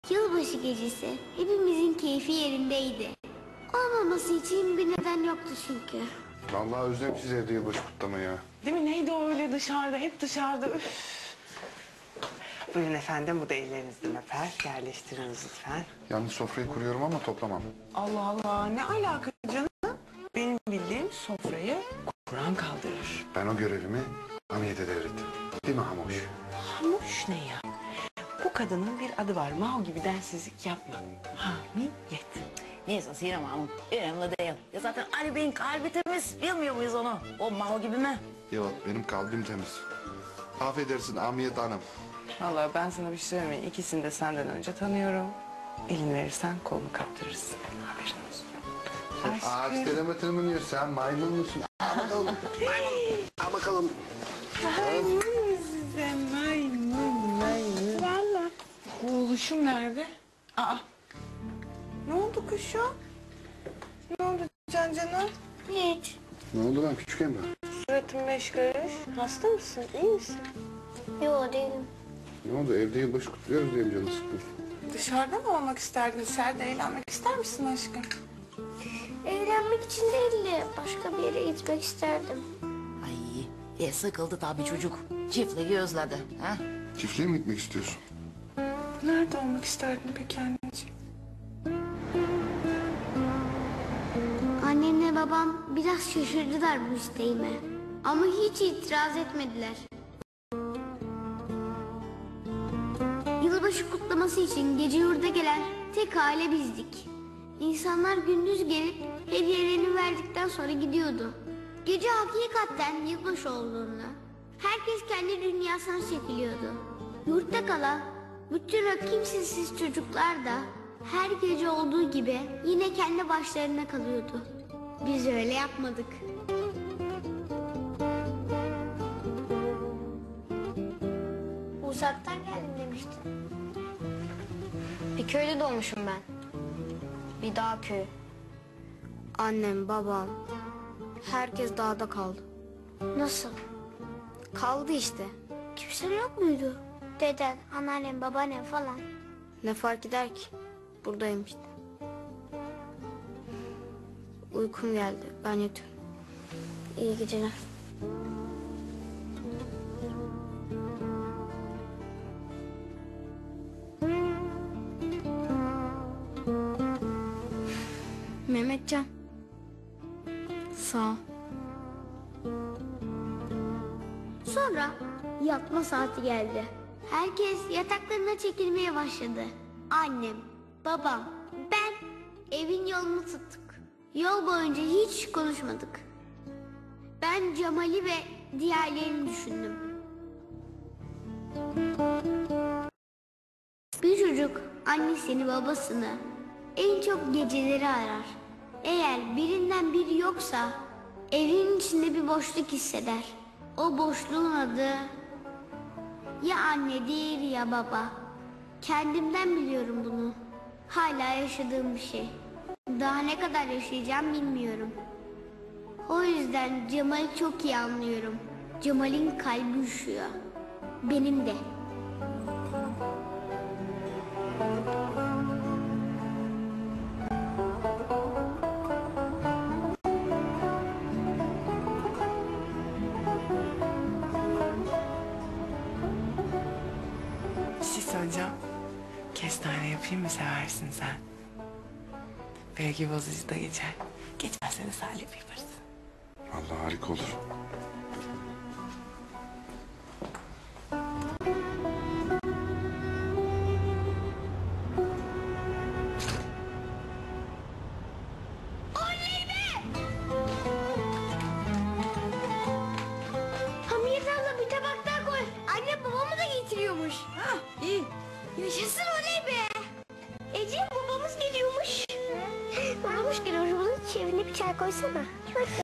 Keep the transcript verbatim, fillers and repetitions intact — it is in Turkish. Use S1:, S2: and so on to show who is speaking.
S1: Yılbaşı gecesi hepimizin keyfi yerindeydi. Olmaması için bir neden yoktu çünkü.
S2: Vallahi özlem siz evde yılbaşı kutlamayı ya.
S3: Değil mi? Neydi o öyle dışarıda? Hep dışarıda. Üf. Buyurun efendim, bu da ellerinizden öper. Yerleştiriniz lütfen.
S2: Yalnız sofrayı kuruyorum ama toplamam.
S3: Allah Allah, ne alaka canım? Benim bildiğim sofrayı Kur'an kaldırır.
S2: Ben o görevimi Hamiyet'e devrettim. Değil mi Hamuş?
S3: Hamuş ne ya? Bu kadının bir adı var. Mao gibi densizlik yapma. Hamiyet.
S4: Neyse Sinem Hanım, önemli değil. Ya zaten Ali Bey'in kalbi temiz, bilmiyor muyuz onu? O Mao gibi mi?
S2: Yok, benim kalbim temiz. Affedersin Hamiyet Hanım.
S3: Vallahi ben sana bir şey söyleyeyim mi? İkisini de senden önce tanıyorum. Elin verirsen kolunu kaptırırsın. Haberin olsun.
S2: Ağaç
S3: Aşkım.
S2: telemetri mi diyor? Sen maymun musun? Al bakalım. Maymun. Al bakalım.
S3: Maymun musun sen? Maymun, maymun. Valla. Bu oluşum nerede? Aa. Ne oldu kuşum? Ne oldu Can Can'a?
S1: Hiç.
S2: Ne oldu lan küçük Emrah?
S3: Suratın beş karış. Hasta mısın? İyi misin?
S1: Yok değilim.
S2: Ne oldu? Evde yılbaşı kutluyoruz diye mi canı sıkkın?
S3: Dışarıda mı olmak isterdin? Dışarıda eğlenmek ister misin aşkım?
S1: Eğlenmek için değil de başka bir yere gitmek isterdim.
S4: Ay, e, sıkıldı tabii çocuk. Çiftliği özledi. Ha?
S2: Çiftliğe mi gitmek istiyorsun?
S3: Nerede olmak isterdin peki anneciğim?
S1: Annemle babam biraz şaşırdılar bu isteğime. Ama hiç itiraz etmediler. Yılbaşı kutlaması için gece yurda gelen tek aile bizdik. İnsanlar gündüz gelip hediyelerini verdikten sonra gidiyordu. Gece hakikaten yılbaşı olduğunda herkes kendi dünyasına çekiliyordu. Yurtta kalan bütün o kimsesiz çocuklar da her gece olduğu gibi yine kendi başlarına kalıyordu. Biz öyle yapmadık. Uzaktan geldim demiştin.
S5: Bir köyde doğmuşum ben. Bir dağ köyü. Annem, babam, herkes dağda kaldı.
S1: Nasıl?
S5: Kaldı işte.
S1: Kimse yok muydu? Deden, anneannem, babaannem falan.
S5: Ne fark eder ki? Buradayım işte. Uykum geldi. Ben yatıyorum. İyi geceler. Mehmetcan. Sağ ol.
S1: Sonra yatma saati geldi. Herkes yataklarına çekilmeye başladı. Annem, babam, ben evin yolunu tuttuk. Yol boyunca hiç konuşmadık. Ben Cemal'i ve diğerlerini düşündüm. Bir çocuk annesini babasını en çok geceleri arar. Eğer birinden biri yoksa evin içinde bir boşluk hisseder. O boşluğun adı ya annedir ya baba. Kendimden biliyorum bunu. Hala yaşadığım bir şey. Daha ne kadar yaşayacağım bilmiyorum. O yüzden Cemal'i çok iyi anlıyorum. Cemal'in kalbi üşüyor. Benim de.
S3: Bir şey söyleyeceğim. Kestane yapayım mı, seversin sen? Belki bozucu da geçer. Geçmezse de salep yaparız.
S2: Vallahi harika olur.
S1: Hamiyet abla bir tabak daha koy. Anne babamı da getiriyormuş.
S4: Ha, iyi.
S1: Yaşasın oley be. Ece babamız geliyormuş. Babamız geliyormuş. Bunun çevirine bir çay koysana.